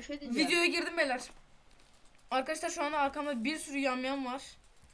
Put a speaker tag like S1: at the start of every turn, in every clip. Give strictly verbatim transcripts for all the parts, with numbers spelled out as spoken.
S1: şey diyeceğim.
S2: Videoya girdim beyler. Arkadaşlar şu anda arkamda bir sürü yamyam var.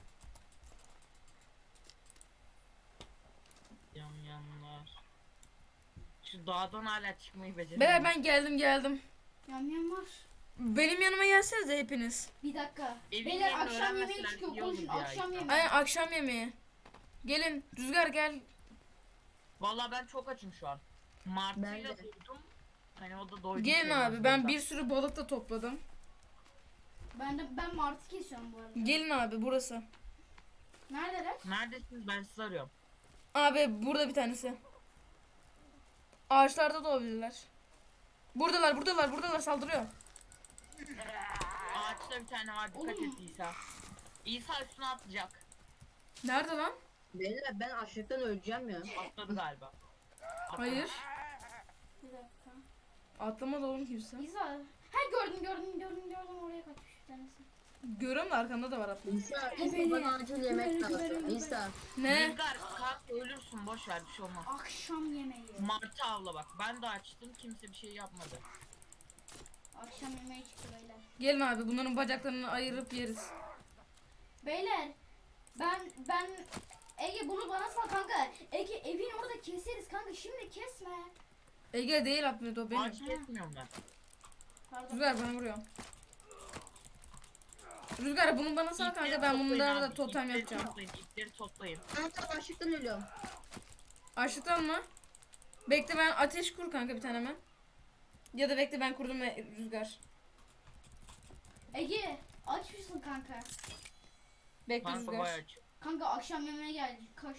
S3: Yamyamlar. Şu dağdan hala çıkmayı beceremiyorum.
S2: Beyler ben geldim geldim.
S4: Yam yam var.
S2: Benim yanıma gelsenize hepiniz.
S4: Bir dakika.
S3: Evin
S4: Beyler
S3: yerini
S4: akşam yemeği
S3: öğrenmeseler
S4: çıkıyor.
S3: iyi olur
S4: Konuşun
S3: ya
S4: akşam
S3: işte.
S4: yemeği.
S2: Aynen akşam yemeği. Gelin Rüzgar gel.
S3: Vallahi ben çok açım şu an.
S1: Ben
S3: Martıyla
S1: de.
S3: duydum. Hani o da doydu.
S2: Gelin abi ben bir sürü balık da topladım.
S4: Ben de ben martı kesiyorum bu arada.
S2: Gelin abi burası.
S4: Neredeler?
S3: Neredesiniz, ben sizi arıyorum.
S2: Abi burada bir tanesi. Ağaçlarda da olabilirler. Buradalar buradalar buradalar saldırıyor.
S3: Ağaçta bir tane var, dikkat
S4: Oğlum.
S3: et İsa. İsa üstüne atlayacak.
S2: Nerede lan?
S1: Beyler ben açlıktan öleceğim ya.
S3: Atladı galiba. Atladı.
S2: Hayır.
S4: Bir dakika.
S2: Atlamadı oğlum kimse.
S4: İza. Ha gördüm gördüm gördüm gördüm oraya kaçmış bir tanesi.
S2: Görüyorum da arkamda da var atlama.
S1: İsa,
S4: Beni-
S1: İsa bana acil yemek
S4: beni-
S1: lazım.
S4: beni-
S1: İsa.
S2: Ne?
S3: Rüzgar kalk ölürsün, boş ver, bir şey olmaz.
S4: Akşam yemeği.
S3: Martı avla bak. Ben de açtım, kimse bir şey yapmadı.
S4: Akşam yemeği çıktı beyler.
S2: Gelin abi bunların bacaklarını ayırıp yeriz.
S4: Beyler ben ben Ege bunu bana sal kanka. Ege evin orada keseriz kanka şimdi kesme.
S2: Ege değil Ahmet o benim.
S3: Ağaç kesmiyorum ben.
S4: Pardon.
S2: Rüzgar bana vuruyor. Rüzgar bunu bana sal kanka
S3: İpleri
S2: ben
S3: toplayın
S2: bunlara da
S3: abi,
S2: totem
S3: ipleri
S2: yapacağım.
S3: Toplayın, ipleri toplayın.
S1: Ben tam açlıktan ölüyorum.
S2: Açlıktan mı? Bekle ben ateş kur kanka bir tane hemen. Ya da bekle ben kurdum ve Rüzgar.
S4: Ege aç mısın kanka?
S2: Bekle
S3: Kanka
S2: Rüzgar.
S3: bayağı aç.
S4: Kanka akşam yemeğe geldi koş.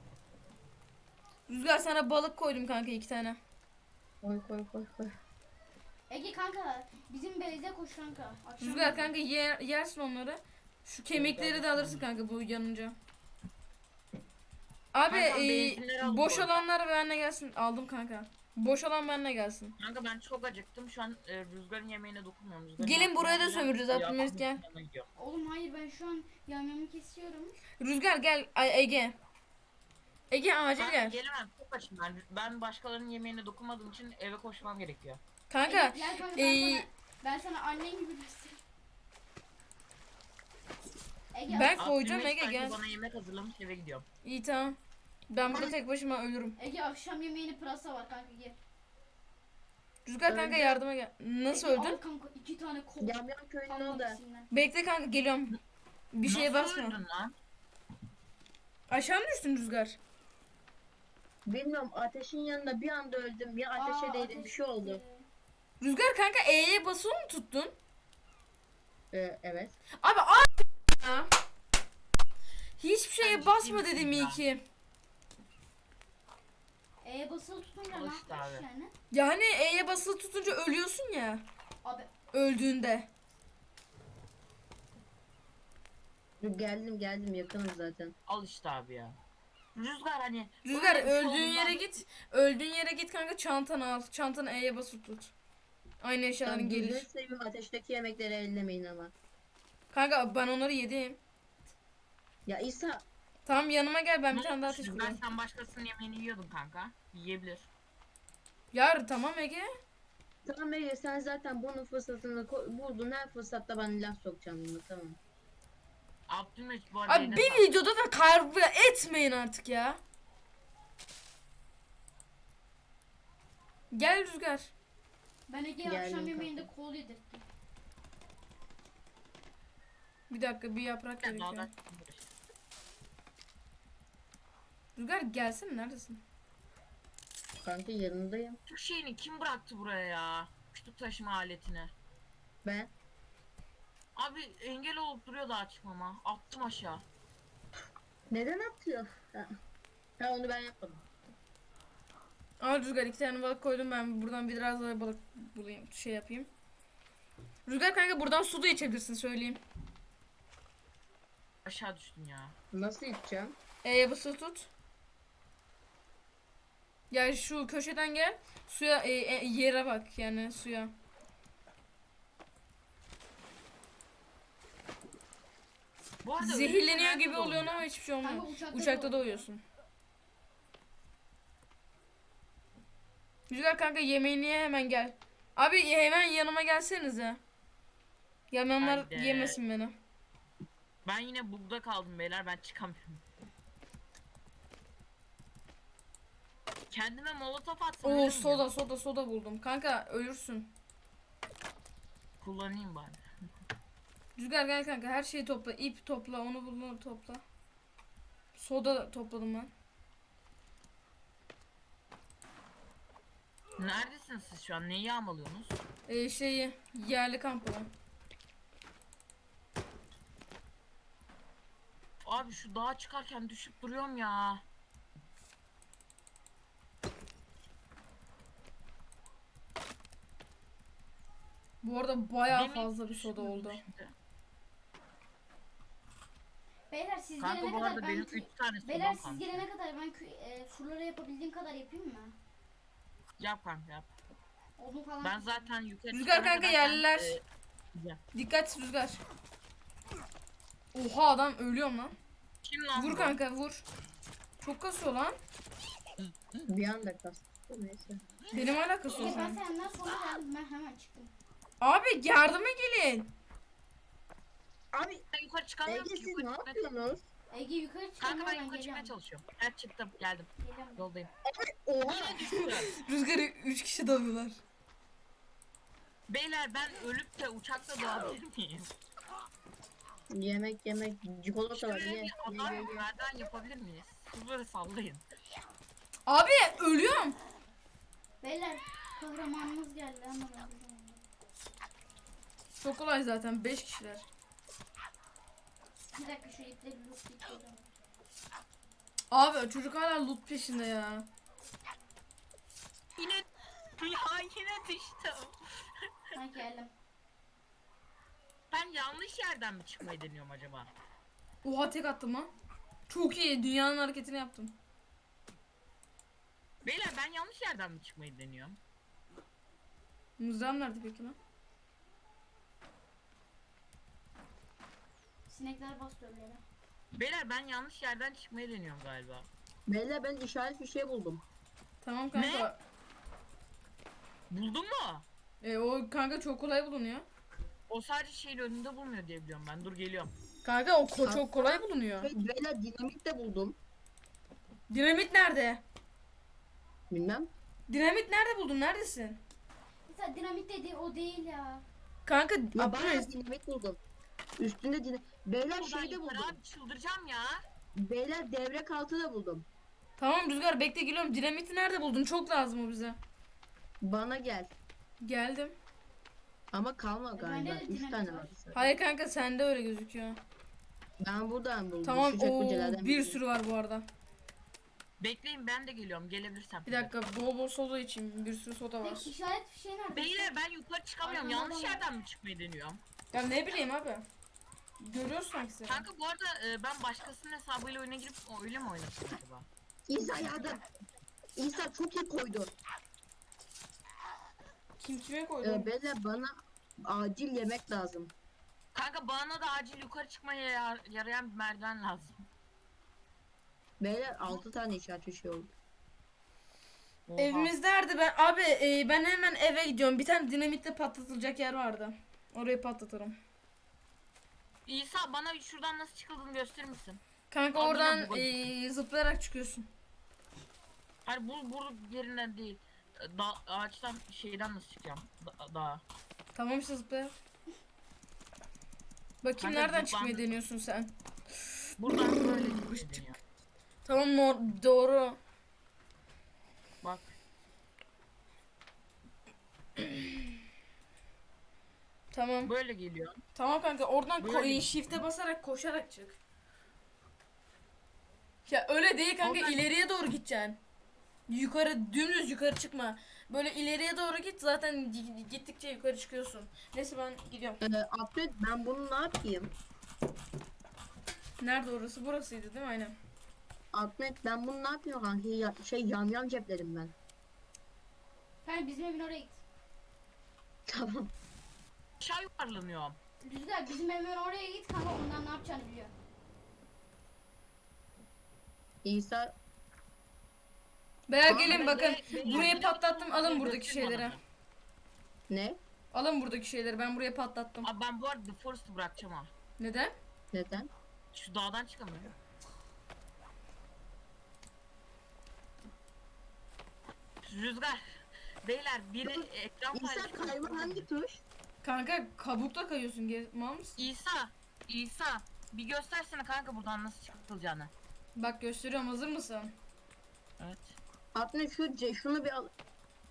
S2: Rüzgar sana balık koydum kanka iki tane.
S1: Koy koy koy koy.
S4: Ege kanka bizim beyze koş kanka. Akşam
S2: Rüzgar kanka yer, yersin onları. Şu kemikleri de alırsın kanka bu yanınca. Abi
S3: Kanka,
S2: e,
S3: benzinleri al
S2: boş
S3: bu arada.
S2: olanlar benimle gelsin. Aldım kanka. Boş olan benimle gelsin.
S3: Kanka ben çok acıktım. Şu an e, Rüzgar'ın yemeğine dokunmuyorum. Rüzgar'ın
S2: Gelin
S3: yemeğine
S2: buraya da
S3: dokunacağım.
S2: sömürürüz,
S3: Ya,
S2: Abdülmecit gel.
S3: yanına gidiyorum.
S4: Oğlum hayır ben şu an yamyamı kesiyorum.
S2: Rüzgar gel. Ay Ege. Ege acil
S3: Ben
S2: gel.
S3: gelemem, çok açım ben. Ben başkalarının yemeğine dokunmadığım için eve koşmam gerekiyor.
S2: Kanka.
S4: Ege, gel kanka ben,
S2: e,
S4: sana, ben sana annen gibi göstereyim. Ege
S2: Ben
S4: ak-
S2: koyacağım
S3: Abdülmecit
S2: Ege,
S3: sanki
S2: gel.
S3: bana yemek hazırlamış, eve gidiyorum.
S2: iyi tamam. Ben burada tek başıma ölürüm.
S4: Ege akşam yemeğini pırasa var kanka gel.
S2: Rüzgar kanka
S1: Öldüm.
S2: yardıma gel. Nasıl
S4: Ege,
S2: öldün?
S4: al kanka iki tane kol.
S1: Yamyam köyünün
S4: Almak
S1: orada.
S4: ikisinden.
S2: Bekle kanka geliyorum. Bir şeye
S3: Nasıl
S2: basma.
S3: öldün lan?
S2: Aşağı mı düştün Rüzgar?
S1: Bilmiyorum ateşin yanında bir anda öldüm. Ya ateşe
S4: Aa,
S1: değdim bir
S4: ateş
S1: şey oldu.
S4: gitti.
S2: Rüzgar kanka E'ye basılı mı tuttun?
S1: Ee, evet.
S2: Abi a ya. Hiçbir şeye
S3: Sen
S2: basma
S3: ciddi
S2: dedim
S3: misin
S2: iyi
S3: ya?
S2: ki.
S4: E'ye basılı tutunca
S3: Al
S4: ne
S3: işte
S4: yapmış
S3: abi.
S4: yani?
S2: Yani E'ye basılı tutunca ölüyorsun ya.
S4: Abi
S2: Öldüğünde.
S1: Dur, geldim geldim yakınız zaten.
S3: Al işte abi ya. Rüzgar hani.
S2: Rüzgar
S3: böyle bir şey
S2: öldüğün
S3: olduğundan-
S2: yere git. Öldüğün yere git kanka çantanı al. Çantanı E'ye basılı tut. Aynı eşyaların
S1: Tamam,
S2: gelir.
S1: gözünü seveyim ateşteki yemekleri ellemeyin ama.
S2: Kanka ben onları yedim.
S1: Ya İsa
S2: Tamam yanıma gel ben bir
S3: Ne
S2: tane daha
S3: olmuş?
S2: ateş
S3: Ben
S2: kurayım.
S3: sen başkasının yemeğini yiyordun kanka. Yiyebilir.
S2: Yar tamam Ege.
S1: tamam Ege sen zaten bunun fırsatını ko- buldun, her fırsatta bana laf sokacaksın bunu, tamam.
S3: Abdülmecit bu arada
S2: Abi
S3: eline
S2: bir
S3: sağlık.
S2: videoda da kavga etmeyin artık ya. Gel Rüzgar.
S4: ben Ege'ye
S1: Geldim
S4: akşam
S1: kanka.
S4: yemeğinde kol yedirttim.
S2: Bir dakika bir yaprak
S3: Ya,
S2: gerekiyor.
S3: dağdan-
S2: Rüzgar gelsene neredesin?
S1: Kanka yanındayım.
S3: Şu şeyini kim bıraktı buraya ya? Küçük taşıma aletini.
S1: Ben.
S3: Abi engel olup duruyor daha çıkmama. Attım aşağı.
S1: Neden atıyor? Ha. ha onu ben yapmadım.
S2: Al Rüzgar iki tane balık koydum ben buradan biraz daha balık bulayım şey yapayım. Rüzgar kanka buradan su da içebilirsin söyleyeyim.
S3: Aşağı düştün ya.
S1: Nasıl içeceğim?
S2: E'ye basılı tut. Ya şu köşeden gel. Suya e, e, yere bak yani suya.
S3: Bu arada
S2: Zehirleniyor
S3: ölürsen
S2: gibi
S3: nerede
S2: oluyorsun
S3: doğdun
S2: ama
S3: ya?
S2: hiçbir şey olmuyor.
S4: Kanka uçakta
S2: Uçakta da
S4: doğ-
S2: uyuyorsun. Rüzgar kanka yemeğini ye hemen gel. Abi hemen yanıma gelsenize. Yamyamlar
S3: Haydi.
S2: yemesin beni.
S3: Ben yine bugda kaldım beyler, ben çıkamıyorum. Kendime molotof atsam ölür
S2: Oo
S3: müyüm?
S2: soda soda soda buldum. Kanka ölürsün.
S3: Kullanayım bari.
S2: Rüzgar gel kanka, her şeyi topla. İp topla, onu bunu topla. Soda topladım ben.
S3: Neredesiniz siz şu an? Neyi yağmalıyorsunuz?
S2: Ee, şeyi yerli kampı.
S3: Abi şu dağa çıkarken düşüp duruyorum ya.
S2: Bu arada bayağı
S3: Demin
S2: fazla bir soda
S3: düşürdüm
S2: oldu.
S3: şimdi.
S4: Beyler siz
S3: Kanka
S4: gelene
S3: bu
S4: kadar
S3: arada
S4: ben
S3: benim
S4: kü-
S3: üç tane sodam
S4: Beyler siz
S3: kalmış.
S4: gelene kadar ben kü- e, surlara yapabildiğim kadar yapayım mı?
S3: Yap kanka yap.
S4: Odun falan.
S3: Ben zaten yukarı
S2: Rüzgar
S3: çıkana
S2: kanka
S3: kadar sen,
S2: yerliler.
S3: e, güzel.
S2: Dikkat Rüzgar. Oha adam ölüyorum lan.
S3: Kim lan
S2: Vur
S3: bu?
S2: kanka vur. Çok kasıyor lan.
S1: Bir anda kastım. Neyse.
S2: Benim hala kasıyor
S4: Ege ben
S2: sen.
S4: senden sonra geldim, ben hemen çıktım.
S2: Abi yardıma gelin.
S1: Abi
S3: Ben yukarı çıkamıyorum
S1: Ege
S3: ki.
S1: siz
S3: Yukarı
S1: ne
S3: çıkmaya-
S1: yapıyorsunuz?
S4: Ege yukarı çıkıyor,
S3: Kanka ben
S4: ben
S3: yukarı çıkmaya
S4: geliyorum.
S3: çalışıyorum. Evet çıktım geldim.
S4: Geliyorum.
S3: Yoldayım.
S1: Oha.
S3: Yine düştüm.
S2: Rüzgar'ı üç kişi dalıyorlar.
S3: Beyler ben ölüp de uçakla doğabilir miyim?
S1: Yemek yemek çikolata var
S3: Şöyle
S1: ye.
S3: bir
S1: Ye
S3: adam
S1: ye ye.
S3: merdiven yapabilir miyiz? Kızları sallayın.
S2: Abi ölüyorum.
S4: Beyler kahramanımız geldi ama ben bilmiyorum.
S2: Çok kolay zaten, beş kişiler.
S4: Bir dakika şu ipleri lootlayalım.
S2: Abi çocuk hala loot peşinde ya.
S3: Yine ya yine düştüm.
S4: Ben geldim.
S3: Ben yanlış yerden mi çıkmayı deniyorum acaba?
S2: Oha tek attım lan. Çok iyi, dünyanın hareketini yaptım.
S3: Beyler ben yanlış yerden mi çıkmayı deniyorum?
S2: Mızrağım nerede peki lan?
S4: Sinekler bastı önlere.
S3: Beyler ben yanlış yerden çıkmayı deniyorum galiba.
S1: Beyler ben işaret bir şey buldum.
S2: Tamam kanka.
S3: Buldun mu?
S2: E, o kanka çok kolay bulunuyor.
S3: O sadece şeyin önünde bulmuyor diye biliyorum ben. Dur geliyorum.
S2: Kanka o ko- çok kolay bulunuyor.
S1: Ve beyler dinamit de buldum.
S2: Dinamit nerede?
S1: Bilmem.
S2: Dinamit nerede buldun? Neredesin?
S4: Mesela dinamit dedi o değil ya.
S2: Kanka
S1: Ya
S2: Abdülhamid-
S1: bayağı dinamit buldum. Üstünde dinamit. Beyler
S3: Buradan
S1: şey de
S3: yukarı
S1: buldum.
S3: abi çıldıracağım ya.
S1: Beyler devrek altı da buldum.
S2: Tamam Rüzgar bekle, geliyorum. Dinamiti nerede buldun? Çok lazım o bize.
S1: Bana gel.
S2: Geldim.
S1: Ama kalma
S4: E,
S1: galiba.
S4: bende de
S1: Üç
S4: dinamit
S1: tane
S4: var.
S1: var.
S2: Hayır kanka sende öyle gözüküyor.
S1: Ben buradan buldum.
S2: Tamam
S1: Şu
S2: o
S1: çekmecelerden
S2: bir
S1: biri.
S2: sürü var bu arada.
S3: Bekleyin ben de geliyorum gelebilirsem.
S2: Bir dakika, bol bol soda için bir sürü soda var.
S4: Peki işaret fişeği nerede?
S3: Beyler ben yukarı çıkamıyorum.
S4: Aynen,
S3: Yanlış
S4: aynen.
S3: yerden mi çıkmayı deniyorum?
S2: Ya ne bileyim abi. Görüyorsun sanki seni.
S3: Kanka bu arada e, ben başkasının hesabıyla oyuna girip o- öyle mi oynasın acaba?
S1: İsa yardım. İsa çok iyi koydu.
S2: Kim kime koydu?
S1: Ee, beyler bana acil yemek lazım.
S3: Kanka bana da acil yukarı çıkmaya yar- yarayan bir merdiven lazım.
S1: Beyler altı tane işaret bir şey oldu.
S3: Oha.
S2: Evimiz nerede? Ben abi e, ben hemen eve gidiyorum. Bir tane dinamitle patlatılacak yer vardı. Orayı patlatırım.
S3: İsa bana şuradan nasıl çıkıldığını gösterir misin?
S2: Kanka
S3: Abi
S2: oradan
S3: yine bu-
S2: e, zıplayarak çıkıyorsun.
S3: Hayır bu bu yerinden değil. E, Da, ağaçtan şeyden nasıl çıkacağım? Da, dağa.
S2: Tamam işte zıplayarak. Bakayım
S3: Kanka
S2: nereden
S3: zıplandı.
S2: çıkmayı deniyorsun sen?
S3: Buradan böyle çıkmayı deniyor.
S2: Tamam no- doğru.
S3: Bak.
S2: Tamam.
S3: Böyle geliyor.
S2: Tamam kanka oradan ko-
S3: Böyle.
S2: e, shift'e basarak koşarak çık. Ya öyle değil kanka,
S3: Oradan-
S2: ileriye doğru gideceksin. Yukarı dümdüz yukarı çıkma. Böyle ileriye doğru git, zaten gi- gittikçe yukarı çıkıyorsun. Neyse ben gidiyorum.
S1: Ee, Abdül ben bunu ne yapayım?
S2: Nerede orası? Burasıydı değil mi? Aynen.
S1: Ahmet ben bunu ne yapıyorum kanka? Ya, şey yamyam ceplerim ben.
S4: Kanka bizim evin oraya git.
S1: Tamam.
S3: Aşağı yuvarlanıyorum.
S4: Rüzgar bizim evin oraya git kanka, ondan ne yapacağını biliyor.
S1: İsa
S2: Beyler
S1: Tamam,
S2: gelin
S3: ben
S2: bakın.
S3: de- ben
S2: Burayı
S3: de-
S2: patlattım. Alın buradaki
S3: göstereyim
S2: şeyleri.
S3: bana.
S1: Ne?
S2: Alın buradaki şeyleri, ben buraya patlattım.
S3: Abi ben bu arada The Forest'ı bırakacağım ha.
S2: Neden?
S1: Neden?
S3: Şu dağdan çıkamıyorum. Rüzgar. Beyler biri ekran
S1: İnsan
S3: paylaşıyor.
S1: kayma hangi tuş?
S2: Kanka kabukta kayıyorsun, gel mal mısın?
S3: İsa. İsa. Bir göstersene kanka buradan nasıl çıkılacağını.
S2: Bak gösteriyorum, hazır mısın?
S3: Evet.
S1: Atne şu ce- şunu bir al.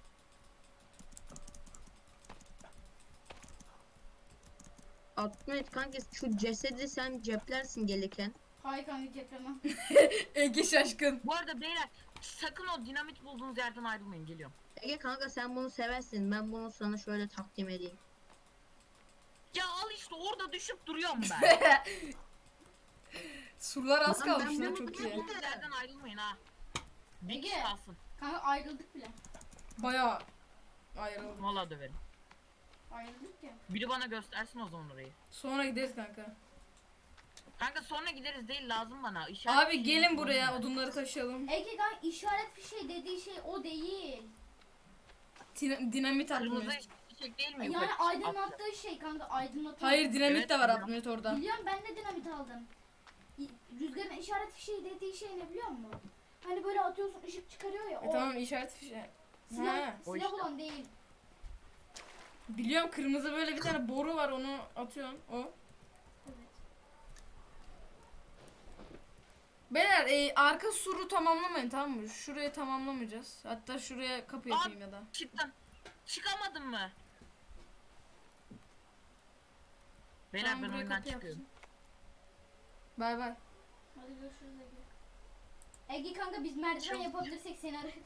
S1: Atne kanka şu cesedi sen ceplersin gelirken.
S4: Hayır kanka cepremem.
S2: Ege şaşkın.
S3: Bu arada beyler sakın o dinamit bulduğunuz yerden ayrılmayın, geliyorum.
S1: Ege kanka sen bunu seversin. Ben bunu sana şöyle takdim edeyim.
S3: Ya al işte orada düşüp duruyorum ben.
S2: Surlar az
S1: Lan ben
S2: kalmış lan,
S1: bunu
S2: çok iyi.
S1: biliyorum.
S3: Bulduğunuz yerden ayrılmayın ha. Bir
S4: Ege.
S3: kişi kalsın.
S4: Kanka ayrıldık bile.
S2: Bayağı ayrıldım.
S3: Valla döverim.
S4: Ayrıldık ya.
S3: Biri bana göstersin o zaman orayı.
S2: Sonra gideriz kanka.
S3: Kanka sonra gideriz değil, lazım bana. İşaret
S2: Abi
S3: fişeği
S2: gelin
S3: lazım
S2: buraya,
S3: bana.
S2: odunları taşıyalım.
S4: Ege kanka işaret fişeği dediği şey o değil.
S2: Din- dinamit
S3: Kırmızı
S2: atmıyoruz.
S3: fişek değil mi?
S4: Yani
S3: yukarı?
S4: aydınlattığı şey kanka aydınlatıyor.
S2: Hayır, dinamit
S3: Evet,
S2: de var
S3: biliyorum.
S2: atmıyoruz orada.
S4: Biliyorum, ben de dinamit aldım. İ- Rüzgarın işaret fişeği dediği şey ne biliyor musun? Hani böyle atıyorsun ışık çıkarıyor ya.
S2: E
S4: o
S2: tamam, işaret fişeği.
S4: silah,
S2: Ha,
S3: o
S4: silah
S3: işte.
S4: olan değil.
S2: biliyorum, kırmızı böyle bir tane boru var, onu atıyorsun o.
S4: Evet.
S2: Beyler e, arka suru tamamlamayın, tamam mı? Şurayı tamamlamayacağız. Hatta şuraya kapı yapayım ya da.
S3: Çıktım. Çıkamadın mı? Beyler
S2: Tamam,
S3: ben
S2: buraya
S3: oyundan
S2: kapı
S3: çıkıyorum.
S2: yapsın. Bay bay.
S4: Hadi görüşürüz Ege. Ege kanka biz merdiven
S3: Çok-
S4: yapabilirsek seni ararız.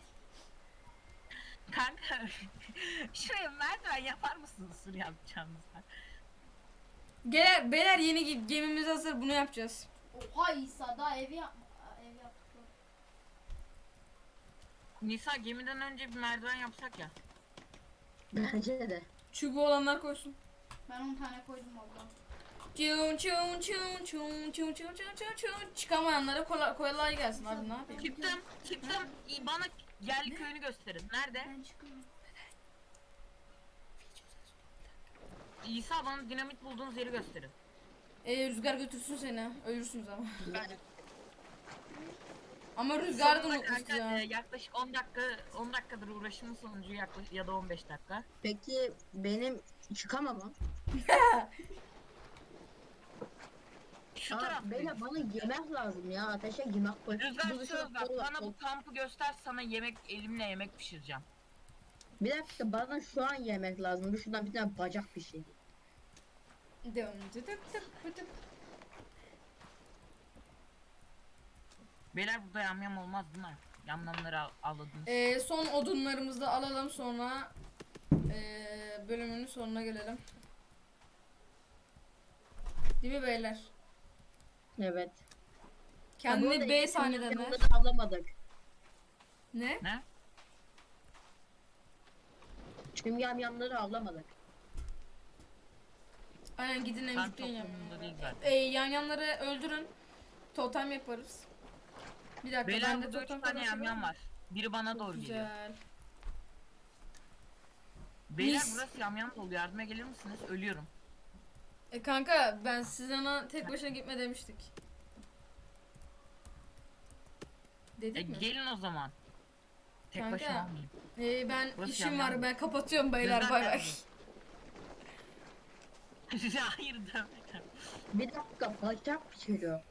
S3: Kanka şuraya merdiven yapar mısınız sur yapacağınızda?
S2: Beyler, beyler yeni ge- gemimiz hazır, bunu yapacağız.
S4: Oha İsa daha evi yapma. Aa, ev yaptık.
S3: Nisa gemiden önce bir merdiven yapsak ya.
S1: Bence de.
S2: Çubuğu olanlar koysun.
S4: Ben on tane koydum valla.
S2: Çun çun çun çun çun çun çun çun çun. Çıkamayanlara kolay, kolay gelsin abi, ne yapayım?
S3: Çıktım, çıktım. İyi, bana yerli köyünü gösterin. Nerede?
S4: Ben çıkıyorum.
S3: İsa bana dinamit bulduğunuz yeri gösterin.
S2: E, rüzgar götürsün seni, ölürsünüz ama.
S3: Ben
S2: Ama rüzgar da
S3: sonunda
S2: unutmuştu
S3: kanka,
S2: ya.
S3: e, yaklaşık on dakika on dakikadır uğraşımın sonucu yaklaşık ya da on beş dakika.
S1: Peki benim çıkamamam.
S3: Şu
S1: Aa,
S3: tarafta.
S1: beyler bana yemek lazım ya. Ateşe yemek koy.
S3: Rüzgar
S1: Bu
S3: söz ver.
S1: dışarı-
S3: Bana bu kampı göster, sana yemek elimle yemek pişireceğim.
S1: Bir dakika bana şu an yemek lazım. Bir şuradan bir tane bacak bir şey.
S3: Beyler burada yamyam olmaz değil mi? Yamyamları al- avladınız.
S2: E, son odunlarımızı da alalım, sonra e, bölümünün sonuna gelelim. Değil mi beyler?
S1: Evet.
S2: Kendini B sahneden ver.
S1: Bunları avlamadık.
S2: Ne?
S3: Ne?
S1: Tüm yamyamları avlamadık.
S2: Aynen, gidin en
S3: Ben
S2: yükleyin
S3: çok umurumda değil
S2: yanlarına.
S3: zaten.
S2: E, yan yanları öldürün. Totem yaparız. Bir dakika,
S3: Beyler
S2: bende
S3: burada üç
S2: totem
S3: tane
S2: kadar
S3: yamyam
S2: var.
S3: var. Biri bana
S2: Çok
S3: doğru geliyor.
S2: güzel.
S3: Beyler
S2: Mis.
S3: burası yamyam dolu. Yardıma gelir misiniz? Ölüyorum.
S2: E kanka, ben size ona tek başına gitme demiştik.
S3: E,
S2: Dedik mi?
S3: gelin o zaman. Tek
S2: Kanka,
S3: başıma olmayayım.
S2: E, ben
S3: Burası
S2: işim
S3: yamyam
S2: var,
S3: mı?
S2: ben kapatıyorum beyler,
S3: Rüzgar
S2: bay bay.
S3: geldi. Hayır demedim.
S1: Bir dakika bacak pişiriyor.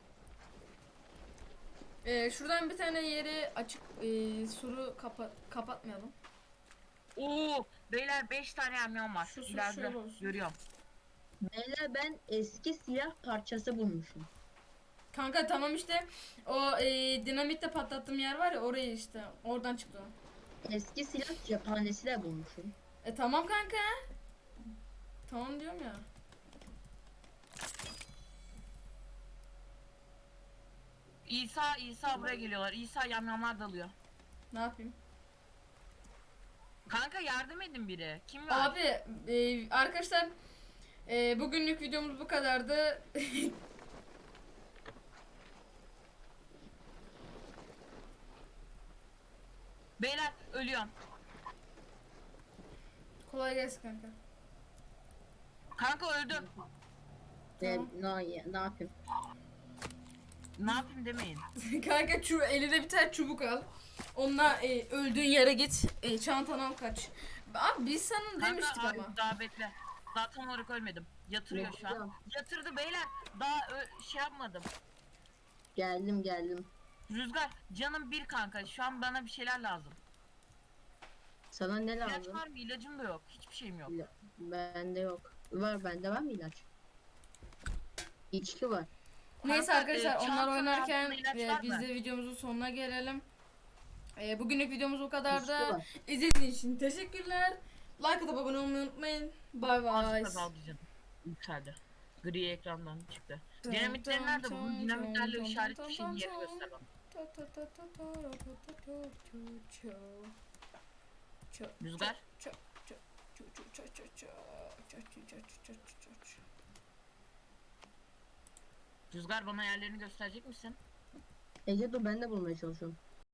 S2: E, şuradan bir tane yeri açık, e, suru kapa kapatmayalım.
S3: Oo, beyler beş tane yamyam var.
S2: Şu su
S3: İleride
S2: şöyle olsun.
S3: görüyorum.
S1: Beyler ben eski silah parçası bulmuşum.
S2: Kanka tamam işte, o e, dinamitle patlattığım yer var ya, orayı işte, oradan çıktı o.
S1: Eski silah cephanesi de bulmuşum.
S2: E tamam kanka. Tamam diyorum ya.
S3: İsa, İsa buraya geliyorlar. İsa yamyamlar dalıyor.
S2: Ne yapayım?
S3: Kanka yardım edin biri. Kim var?
S2: Abi e, arkadaşlar, e, bugünlük videomuz bu kadardı.
S3: Beyler ölüyorum.
S2: Kolay gelsin kanka.
S3: Kanka öldüm.
S1: Ne,
S2: Tamam.
S1: ne, ne yapayım?
S3: Ne yapayım demeyin.
S2: Kanka şu eline bir tane çubuk al. Onunla e, öldüğün yere git. E, çantanı al kaç. Abi biz sana demiştik
S3: Kanka
S2: ama.
S3: hayır, daha bekle. Daha tam olarak ölmedim. Yatırıyor şu an.
S1: Bekliyorum.
S3: Yatırdı beyler. Daha ö- şey yapmadım.
S1: Geldim geldim.
S3: Rüzgar canım bir kanka. Şu an bana bir şeyler lazım.
S1: Sana ne
S3: İlaç
S1: lazım?
S3: var mı? İlacım da yok. Hiçbir şeyim yok.
S1: İla- Bende yok. Var bende var mı ilaç? İçki var.
S2: Neyse
S3: Kanka,
S2: arkadaşlar
S3: e,
S2: onlar
S3: çantanın
S2: oynarken
S3: altında ilaç
S2: e,
S3: var
S2: biz
S3: mı?
S2: de videomuzun sonuna gelelim. E, bugünlük videomuz bu kadar
S1: İçki
S2: da.
S1: var.
S2: İzlediğiniz için teşekkürler. Like atıp abone olmayı unutmayın. Bye bye.
S3: Azıcık azaldı canım. Yükseldi. Gri ekrandan çıktı.
S2: Dum,
S3: Dinamitler
S2: dum,
S3: nerede?
S2: dum,
S3: Bu dinamitlerle
S2: dum,
S3: işaret
S2: dum,
S3: bir şeyin
S2: dum,
S3: yeri
S2: dum.
S3: göster bana.
S2: Ta ta ta ta ta ra ta ta ta çu çu. Çu,
S3: Rüzgar.
S2: çu, çu, çu, çu, çu, çu, çu, çu, çu, çu, çu, çu, çu, çu.
S3: Rüzgar bana yerlerini gösterecek misin?
S1: Ece dur ben de bulmaya çalışıyorum.